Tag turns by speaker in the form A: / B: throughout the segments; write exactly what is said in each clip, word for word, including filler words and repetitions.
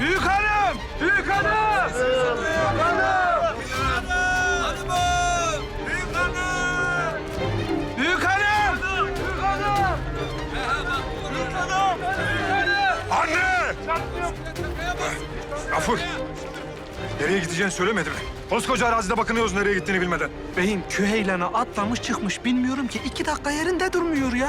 A: Büyük hanım! Büyük hanım! Büyük hanım! Büyük hanım! Büyük hanım! Büyük hanım! Büyük hanım!
B: Anne! Gafur! Nereye gideceğini söylemedi mi? Koskoca arazide bakınıyoruz nereye gittiğini bilmeden.
A: Beyim küheylana atlamış çıkmış bilmiyorum ki iki dakika yerinde durmuyor ya.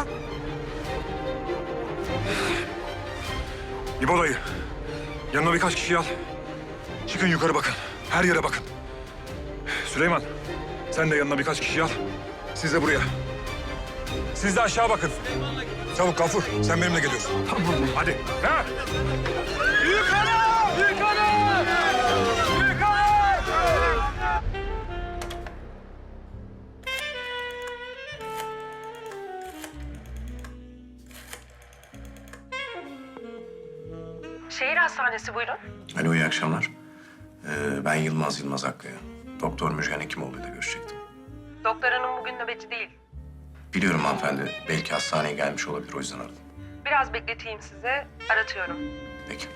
B: İbo dayı, yanına birkaç kişi al. Çıkın yukarı bakın, her yere bakın. Süleyman, sen de yanına birkaç kişi al. Siz de buraya. Siz de aşağı bakın. Çabuk Gafur, sen benimle geliyorsun.
A: Tamam beyim.
B: Hadi. Ha?
A: Büyük hanım! Büyük hanım! Büyük hanım!
C: Şehir hastanesi buyurun.
D: Alo, iyi akşamlar. Ee, ben Yılmaz Yılmaz Akkaya. Doktor Müjgan Hekimoğlu'yla görüşecektim.
C: Doktor hanım bugün nöbetçi değil.
D: Biliyorum hanımefendi, belki hastaneye gelmiş olabilir, o yüzden aradım.
C: Biraz bekleteyim size, aratıyorum.
D: Peki.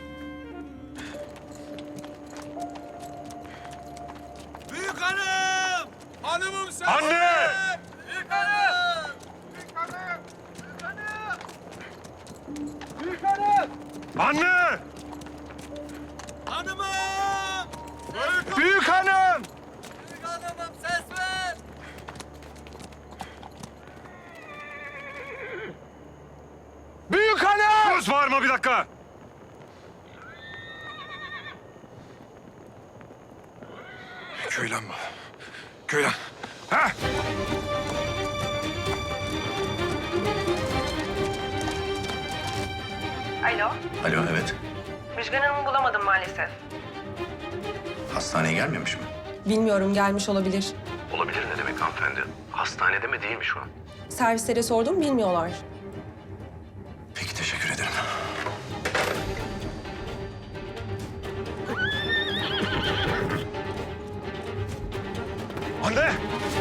A: Büyük hanım! Hanımım sen!
B: Anne!
A: Büyük hanım! Büyük hanım! Büyük hanım! Büyük hanım!
B: Anne!
A: Hanımım! Büyük hanım! Büyük hanımım ses ver! Büyük hanım!
B: Sus, bağırma bir dakika. Köylen mi? Köylen. Ha?
C: Alo,
D: Alo, evet.
C: Müjgan Hanım'ı bulamadım maalesef.
D: Hastaneye gelmemiş mi?
E: Bilmiyorum, gelmiş olabilir.
D: Olabilir ne demek hanımefendi? Hastanede mi değil mi şu an?
E: Servislere sordum, bilmiyorlar.
D: Peki, teşekkür ederim.
B: Anne!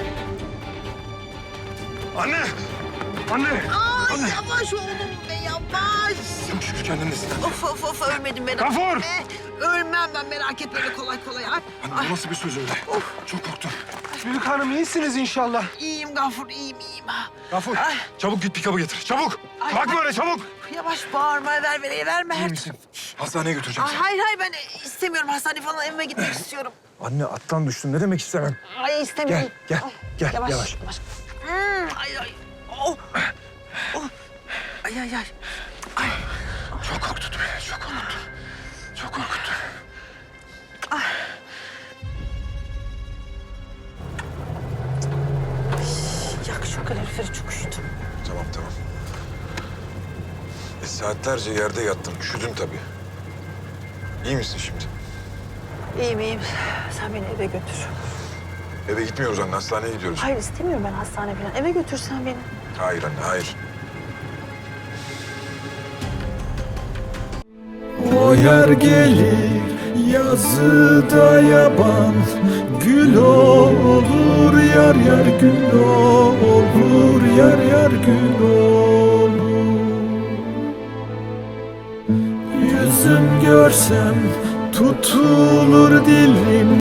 B: Anne! Anne!
F: Ay
B: Anne!
F: yavaş oğlum be yavaş.
B: Çok şükür kendindesin.
F: Of of of ölmedim merak
B: Gafur!
F: etme. Ölmem ben merak etme öyle kolay kolay. Ay,
B: Anne bu nasıl bir söz öyle? Çok korktum.
A: Büyük hanım iyisiniz inşallah.
F: iyiyim Gafur iyiyim iyiyim.
B: Gafur,
F: Ay.
B: çabuk git pikabı getir. Çabuk!
F: Ay,
B: Bakma
F: ay.
B: öyle, çabuk!
F: Yavaş bağırma ver ver verme
B: İyi
F: her
B: misin? Hastaneye götüreceğim
F: Ay,
B: seni.
F: hayır hayır ben istemiyorum hastane falan evime gitmek istiyorum.
B: Anne attan düştün. Ne demek istemem?
F: Ay istemiyorum.
B: Gel, gel,
F: Ay,
B: gel,
F: Yavaş
B: yavaş.
F: yavaş. Hmm, ay ay. Oh. Oh. Ay ay ay. Ay.
B: Çok korkuttun beni, çok korkuttun. Çok korkuttun.
F: Yak şu kaloriferi çok üşüdüm.
B: Tamam, tamam. E, saatlerce yerde yattım. Üşüdün tabii. İyi misin şimdi?
F: İyiyim iyiyim. Sen beni eve götür.
B: Eve gitmiyoruz anne, hastaneye gidiyoruz.
F: Hayır istemiyorum ben hastane falan. Eve götürsen beni.
B: Hayır anne, hayır.
G: O yer gelir yazıda yaban, gül olur yar yar gül olur yar yar gül olur. Yüzüm görsem tutulur dilim.